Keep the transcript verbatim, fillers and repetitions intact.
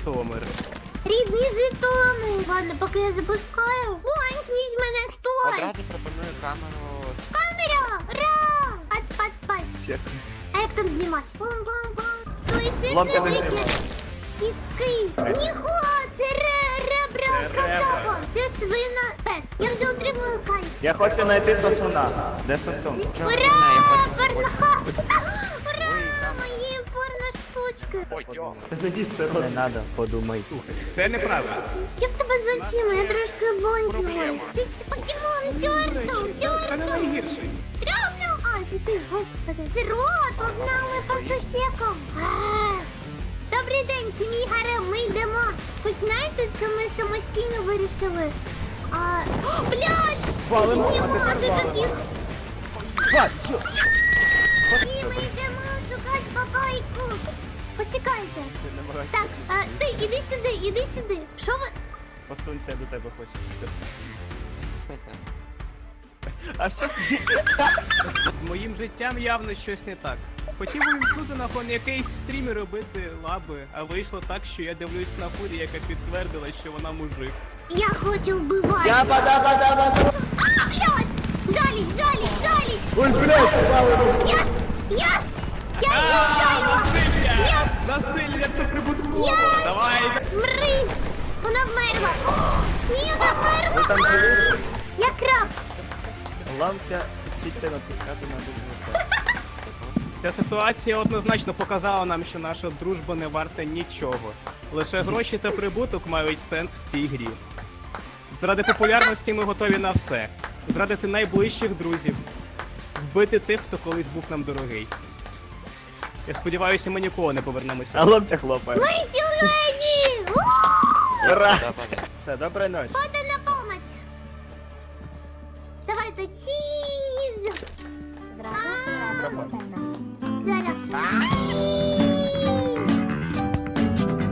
Житомир. Рідний Житомир. Ладно, поки я запускаю. Бланкніть мене хтось. Одразу пропоную камеру. Камера! Ра! Пат, пат, пат. Дякую. А як там знімати? Бум-бум-бум. Суїцидний Лампа не вихід. знімає. Кістки. Ніхуа, це ре, ребра, Це кацапа. ребра. Це свина. Пес. Я вже отримую кайф. Я хочу знайти сосуна. Де сосун? Чого Ура! не знаю, я хочу- Порноха! Ура! Мої порноштучки. Ой, йо. Це не їсти рот. Не треба, подумай. Це неправда. Що в тебе за очима? Я трошки блонькнула. Ти це покемон, тьортл, Це не тьортл. найгірший. Стрьомно! А, це ти, господи. Це рот, погнали по сусекам. А. Добрий день, це мій гарем, ми йдемо. Хоч знаєте, це ми самостійно вирішили. А, о, блядь! Валимо, а Знімати тепер таких. Бать, що? І ми йдемо шукати бабайку. Почекайте. Так, а, ти іди сюди, іди сюди. Що ви? Посунься, я до тебе хочу. А що ти? З моїм життям явно щось не так. Хотів увімкнути на фон якийсь стрім і робити лаби, а вийшло так, що я дивлюсь на фурі, яка підтвердила, що вона мужик. Я хочу вбивати. Яба-даба-даба. А, блядь! Жаліть, жаліть, жаліть! Ой, блядь, спали. Єс! Єс! Я її вжалила! Єс! Насилля це прибутково! Єс! Давай! Мри! Вона вмерла! О, ні, вона Ви там вмерла! живі? Я краб! Лампя вчиться натискати на букву. Ця ситуація однозначно показала нам, що наша дружба не варта нічого. Лише гроші та прибуток мають сенс в цій грі. Заради популярності ми готові на все. Зрадити найближчих друзів. Вбити тих, хто колись був нам дорогий. Я сподіваюся, ми ніколи не повернемося. А лампя хлопає. Ми тюлені! Ура! Да-да-да. Все, доброї ночі. Ходи на помочь! Давайте чіз! Мікрофон. Зараз.